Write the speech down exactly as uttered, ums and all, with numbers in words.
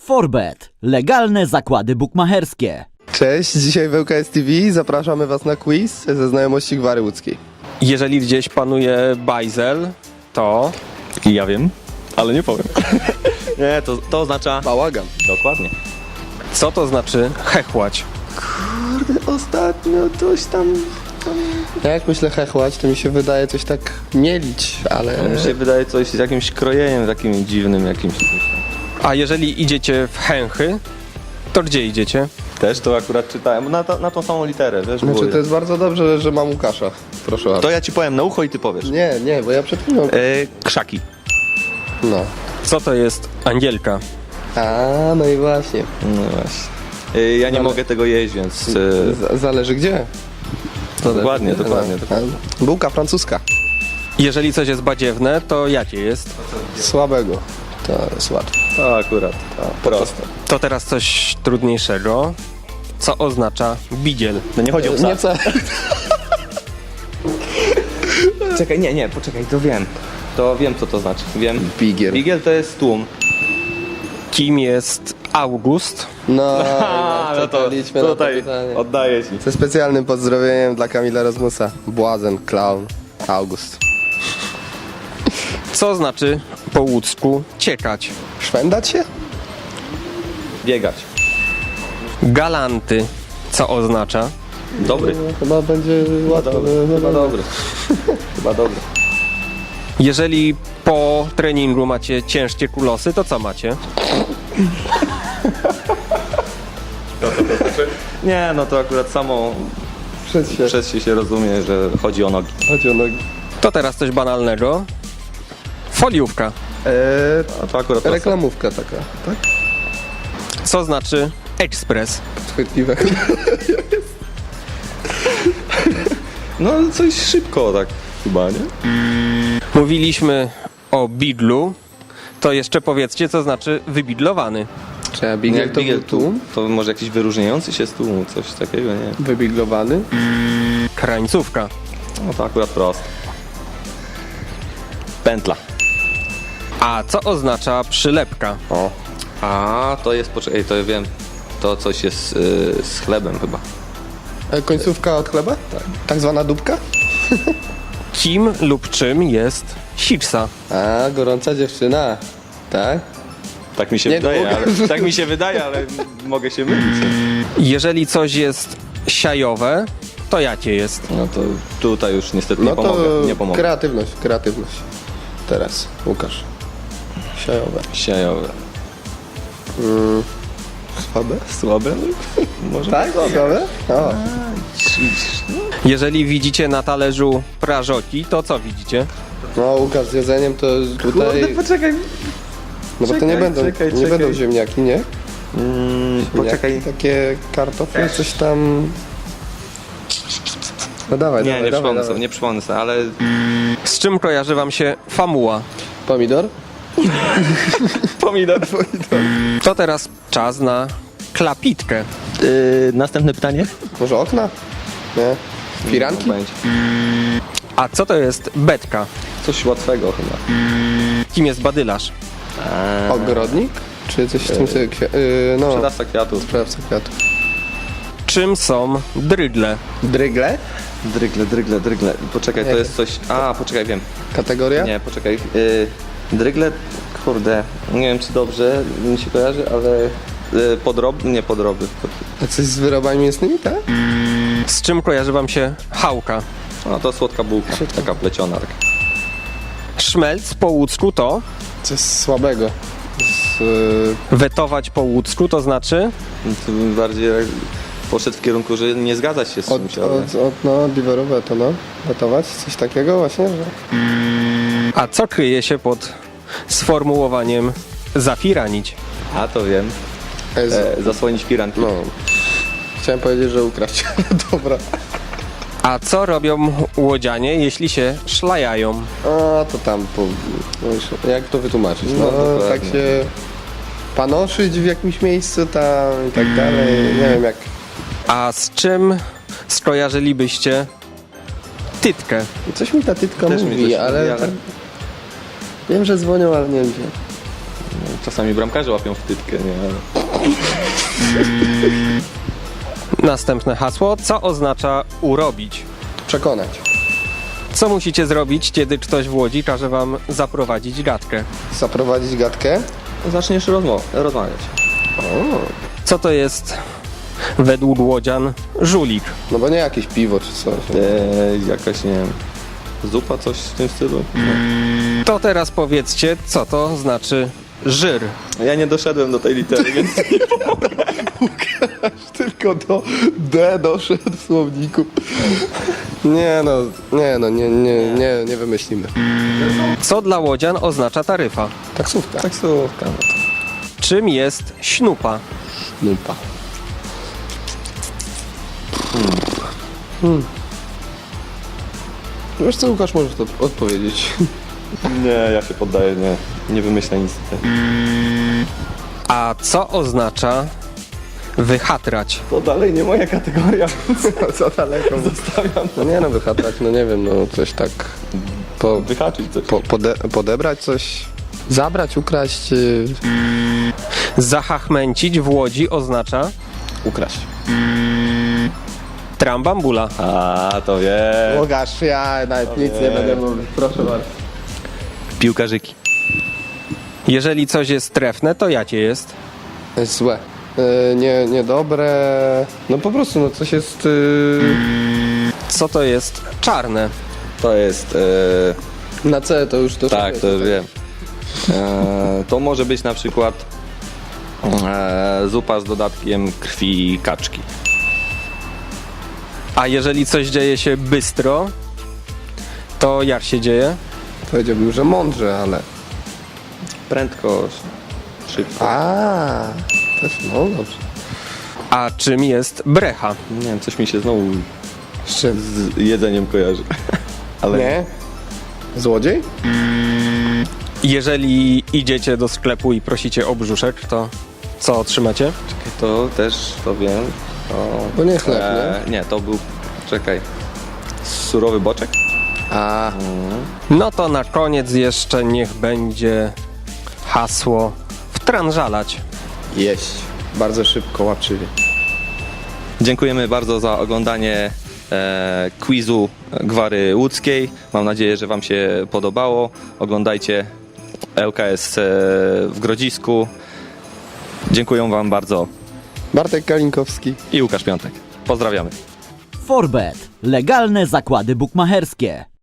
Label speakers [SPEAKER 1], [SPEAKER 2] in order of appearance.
[SPEAKER 1] Forbet. Legalne zakłady bukmacherskie.
[SPEAKER 2] Cześć, dzisiaj w L K S T V zapraszamy Was na quiz ze znajomości Gwary Łódzkiej.
[SPEAKER 3] Jeżeli gdzieś panuje bajzel, to...
[SPEAKER 4] I ja wiem, ale nie powiem. Nie, to, to oznacza...
[SPEAKER 2] Bałagan.
[SPEAKER 4] Dokładnie.
[SPEAKER 3] Co to znaczy hechłać?
[SPEAKER 2] Ostatnio coś tam... Jak myślę hechłać, to mi się wydaje coś tak mielić, ale...
[SPEAKER 4] Mi się wydaje coś z jakimś krojeniem takim dziwnym jakimś.
[SPEAKER 3] A jeżeli idziecie w chęchy, to gdzie idziecie?
[SPEAKER 4] Też to akurat czytałem, na, to, na tą samą literę, wiesz?
[SPEAKER 2] Znaczy
[SPEAKER 4] było-
[SPEAKER 2] to jest bardzo dobrze, że mam Łukasza. Proszę bardzo.
[SPEAKER 4] To ja ci powiem na ucho i ty powiesz.
[SPEAKER 2] Nie, nie, bo ja przed chwilą...
[SPEAKER 4] E, krzaki.
[SPEAKER 2] No.
[SPEAKER 3] Co to jest angielka?
[SPEAKER 2] A, no i właśnie.
[SPEAKER 4] No właśnie. E, ja nie
[SPEAKER 2] Ale-
[SPEAKER 4] mogę tego jeść, więc... E,
[SPEAKER 2] Z- zależy gdzie. Zależy
[SPEAKER 4] Dokładnie,
[SPEAKER 2] gdzie.
[SPEAKER 4] dokładnie,
[SPEAKER 2] No.
[SPEAKER 4] dokładnie.
[SPEAKER 2] Bułka francuska.
[SPEAKER 3] Jeżeli coś jest badziewne, to jakie jest?
[SPEAKER 2] Słabego. To jest łatwe.
[SPEAKER 4] to akurat, to proste.
[SPEAKER 3] To teraz coś trudniejszego. Co oznacza bidziel?
[SPEAKER 4] No nie chodzi o psa.
[SPEAKER 2] Nie co...
[SPEAKER 4] Czekaj, nie, nie, poczekaj, to wiem. To wiem, co to znaczy. Wiem.
[SPEAKER 2] Bigiel.
[SPEAKER 4] Bigiel to jest tłum.
[SPEAKER 3] Kim jest August?
[SPEAKER 2] No,
[SPEAKER 4] A, no to
[SPEAKER 2] liczmy na to
[SPEAKER 4] tutaj
[SPEAKER 2] pytanie.
[SPEAKER 4] oddaję ci.
[SPEAKER 2] Ze specjalnym pozdrowieniem dla Kamila Rozmusa. Błazen, clown, August.
[SPEAKER 3] Co znaczy po łódzku ciekać?
[SPEAKER 2] Szwendać się?
[SPEAKER 4] Biegać.
[SPEAKER 3] Galanty. Co oznacza?
[SPEAKER 4] Dobry.
[SPEAKER 2] No, chyba będzie łatwo. no,
[SPEAKER 4] Chyba
[SPEAKER 2] no.
[SPEAKER 4] dobry. Chyba dobry.
[SPEAKER 3] Jeżeli po treningu macie ciężkie kulosy, to co macie?
[SPEAKER 4] Nie, no to akurat samo
[SPEAKER 2] Przed się.
[SPEAKER 4] przez się się rozumie, że chodzi o nogi.
[SPEAKER 2] Chodzi o nogi.
[SPEAKER 3] To teraz coś banalnego. Foliówka.
[SPEAKER 2] Eee,
[SPEAKER 4] A to akurat to
[SPEAKER 2] reklamówka taka, tak?
[SPEAKER 3] Co znaczy ekspres?
[SPEAKER 2] Podchwytliwe.
[SPEAKER 4] No coś szybko tak chyba, nie?
[SPEAKER 3] Mówiliśmy o bidlu. To jeszcze powiedzcie, co znaczy wybidlowany.
[SPEAKER 2] Czy ja bigiel
[SPEAKER 4] Jak
[SPEAKER 2] to
[SPEAKER 4] bigiel
[SPEAKER 2] był tłum?
[SPEAKER 4] To może jakiś wyróżniający się z tłumu, coś takiego, nie?
[SPEAKER 2] Wybiglowany?
[SPEAKER 3] Krańcówka.
[SPEAKER 4] No to akurat prosto. Pętla.
[SPEAKER 3] A co oznacza przylepka?
[SPEAKER 4] O. A to jest, poczekaj, to ja wiem. To coś jest yy, z chlebem chyba.
[SPEAKER 2] E, końcówka od chleba? Tak. Tak zwana dupka?
[SPEAKER 3] Kim lub czym jest siksa?
[SPEAKER 2] A, gorąca dziewczyna. Tak?
[SPEAKER 4] Tak mi się
[SPEAKER 2] Nie,
[SPEAKER 4] wydaje,
[SPEAKER 2] no,
[SPEAKER 4] ale, tak mi się wydaje, ale mogę się mylić.
[SPEAKER 3] Jeżeli coś jest siajowe, to jakie jest?
[SPEAKER 4] No to tutaj już niestety nie
[SPEAKER 2] No to
[SPEAKER 4] pomogę. Nie pomogę.
[SPEAKER 2] kreatywność, kreatywność. Teraz, Łukasz. Siajowe.
[SPEAKER 4] Siajowe.
[SPEAKER 2] Mm. Słabe?
[SPEAKER 4] Słabe? Może
[SPEAKER 2] Tak? Słabe? O.
[SPEAKER 3] Jeżeli widzicie na talerzu prażoki, to co widzicie?
[SPEAKER 2] No Łukasz, z jedzeniem to tutaj...
[SPEAKER 4] poczekaj.
[SPEAKER 2] No bo to nie
[SPEAKER 4] czekaj,
[SPEAKER 2] będą,
[SPEAKER 4] czekaj,
[SPEAKER 2] nie
[SPEAKER 4] czekaj.
[SPEAKER 2] będą ziemniaki, nie?
[SPEAKER 4] Mm, poczekaj.
[SPEAKER 2] Ziemniaki, takie kartofle, coś tam... No dawaj,
[SPEAKER 4] Nie,
[SPEAKER 2] dawaj,
[SPEAKER 4] nie
[SPEAKER 2] dawaj,
[SPEAKER 4] przypomnę
[SPEAKER 2] dawaj.
[SPEAKER 4] sobie, nie przypomnę sobie, ale
[SPEAKER 3] Z czym kojarzy wam się famuła?
[SPEAKER 2] Pomidor?
[SPEAKER 4] pomidor.
[SPEAKER 3] To teraz czas na klapitkę.
[SPEAKER 4] Yy, następne pytanie?
[SPEAKER 2] Może okna? Nie? Firanki?
[SPEAKER 4] Będzie.
[SPEAKER 3] A co to jest betka?
[SPEAKER 4] Coś łatwego chyba.
[SPEAKER 3] Kim jest badylarz?
[SPEAKER 4] Eee,
[SPEAKER 2] Ogrodnik? Czy coś w tym stylu? Kwi- yy, no,
[SPEAKER 4] Sprzedawca kwiatów.
[SPEAKER 2] sprawca kwiatów.
[SPEAKER 3] Czym są drydle?
[SPEAKER 2] Drygle?
[SPEAKER 4] Drygle, drygle, drygle. Poczekaj, to
[SPEAKER 2] Jak?
[SPEAKER 4] jest coś... A, poczekaj, wiem.
[SPEAKER 2] Kategoria?
[SPEAKER 4] Nie, poczekaj. Yy, drygle, kurde, nie wiem czy dobrze mi się kojarzy, ale... Yy, podroby? Nie podroby.
[SPEAKER 2] A coś z wyrobami mięsnymi, tak?
[SPEAKER 3] Z czym kojarzy wam się chałka?
[SPEAKER 4] No to słodka bułka, taka pleciona. Tak.
[SPEAKER 3] Szmelc po łódzku to?
[SPEAKER 2] Coś słabego. Z, yy,
[SPEAKER 3] Wetować po łódzku to znaczy?
[SPEAKER 4] To bym bardziej tak poszedł w kierunku, że nie zgadzać się z
[SPEAKER 2] od,
[SPEAKER 4] czymś, ale...
[SPEAKER 2] od, od, no, diverowe to no. Gotować? Coś takiego właśnie, że...
[SPEAKER 3] A co kryje się pod sformułowaniem zafiranić?
[SPEAKER 4] A to wiem.
[SPEAKER 2] E, z,
[SPEAKER 4] E, zasłonić firanki.
[SPEAKER 2] no. Chciałem powiedzieć, że ukraść. Dobra.
[SPEAKER 3] A co robią łodzianie, jeśli się szlajają?
[SPEAKER 2] A to tam, po, no już, jak to wytłumaczyć? No,
[SPEAKER 4] No, dokładnie.
[SPEAKER 2] tak się panoszyć w jakimś miejscu tam i tak dalej. Nie wiem jak.
[SPEAKER 3] A z czym skojarzylibyście tytkę?
[SPEAKER 2] Coś mi ta tytka
[SPEAKER 4] Też mi
[SPEAKER 2] mówi,
[SPEAKER 4] coś
[SPEAKER 2] ale,
[SPEAKER 4] mówi, ale-
[SPEAKER 2] tak, wiem, że dzwonią, ale nie wiem gdzie.
[SPEAKER 4] Czasami bramkarze łapią wtytkę, nie? Ale...
[SPEAKER 3] Następne hasło. Co oznacza urobić?
[SPEAKER 2] Przekonać.
[SPEAKER 3] Co musicie zrobić, kiedy ktoś w Łodzi każe wam zaprowadzić gadkę?
[SPEAKER 2] Zaprowadzić gadkę.
[SPEAKER 4] Zaczniesz rozmo- rozmawiać.
[SPEAKER 3] Co to jest według łodzian żulik?
[SPEAKER 2] No bo nie jakieś piwo czy coś.
[SPEAKER 4] Eee, jakaś, nie wiem, zupa, coś w tym stylu?
[SPEAKER 3] To teraz powiedzcie, co to znaczy żyr.
[SPEAKER 4] Ja nie doszedłem do tej litery, więc...
[SPEAKER 2] Tylko do D doszedł w słowniku. Nie no, nie no, nie, nie, nie, nie wymyślimy.
[SPEAKER 3] Co dla łodzian oznacza taryfa?
[SPEAKER 2] Taksówka.
[SPEAKER 4] Taksówka, no to...
[SPEAKER 3] Czym jest śnupa?
[SPEAKER 2] Nupa. Hmm. Wiesz co, Łukasz, możesz to odpowiedzieć.
[SPEAKER 4] Nie, ja się poddaję, nie. Nie wymyślę nic tutaj.
[SPEAKER 3] A co oznacza wychatrać?
[SPEAKER 4] To dalej nie moja kategoria.
[SPEAKER 2] Co daleko?
[SPEAKER 4] Zostawiam.
[SPEAKER 2] No nie no, wychatrać, no nie wiem, no coś tak po,
[SPEAKER 4] Wyhaczyć coś.
[SPEAKER 2] po, pode, podebrać coś, zabrać, ukraść, yy,
[SPEAKER 3] Zahachmęcić w Łodzi oznacza
[SPEAKER 2] ukraść.
[SPEAKER 3] trambambula.
[SPEAKER 4] A, to wiem.
[SPEAKER 2] Łukasz, ja nawet nic nie będę mówił, proszę bardzo.
[SPEAKER 4] Piłkarzyki.
[SPEAKER 3] Jeżeli coś jest trefne, to jakie jest?
[SPEAKER 2] Jest złe. Yy, nie, niedobre, no po prostu, no coś jest... Yy,
[SPEAKER 3] Co to jest czarne?
[SPEAKER 4] To jest... E,
[SPEAKER 2] na C to już to...
[SPEAKER 4] tak, to już wiem. E, to może być na przykład e, zupa z dodatkiem krwi kaczki.
[SPEAKER 3] A jeżeli coś dzieje się bystro, to jak się dzieje?
[SPEAKER 2] Powiedziałbym, że mądrze, ale...
[SPEAKER 4] Prędko, szybko.
[SPEAKER 2] A, też, no dobrze.
[SPEAKER 3] A czym jest brecha?
[SPEAKER 4] Nie wiem, coś mi się znowu
[SPEAKER 2] Z czym?
[SPEAKER 4] z jedzeniem kojarzy. Ale
[SPEAKER 2] Nie? Złodziej?
[SPEAKER 3] Jeżeli idziecie do sklepu i prosicie o brzuszek, to co otrzymacie?
[SPEAKER 4] to też to wiem. To,
[SPEAKER 2] To nie chleb,
[SPEAKER 4] e, nie, to był, czekaj, surowy boczek?
[SPEAKER 2] A,
[SPEAKER 3] No to na koniec jeszcze niech będzie hasło wtrążalać.
[SPEAKER 2] jeść. Bardzo szybko, łapczywie.
[SPEAKER 4] Dziękujemy bardzo za oglądanie e, quizu Gwary Łódzkiej. Mam nadzieję, że Wam się podobało. Oglądajcie L K S e, w Grodzisku. Dziękuję Wam bardzo
[SPEAKER 2] Bartek Kalinkowski.
[SPEAKER 4] i Łukasz Piątek. Pozdrawiamy.
[SPEAKER 1] Forbet. Legalne zakłady bukmacherskie.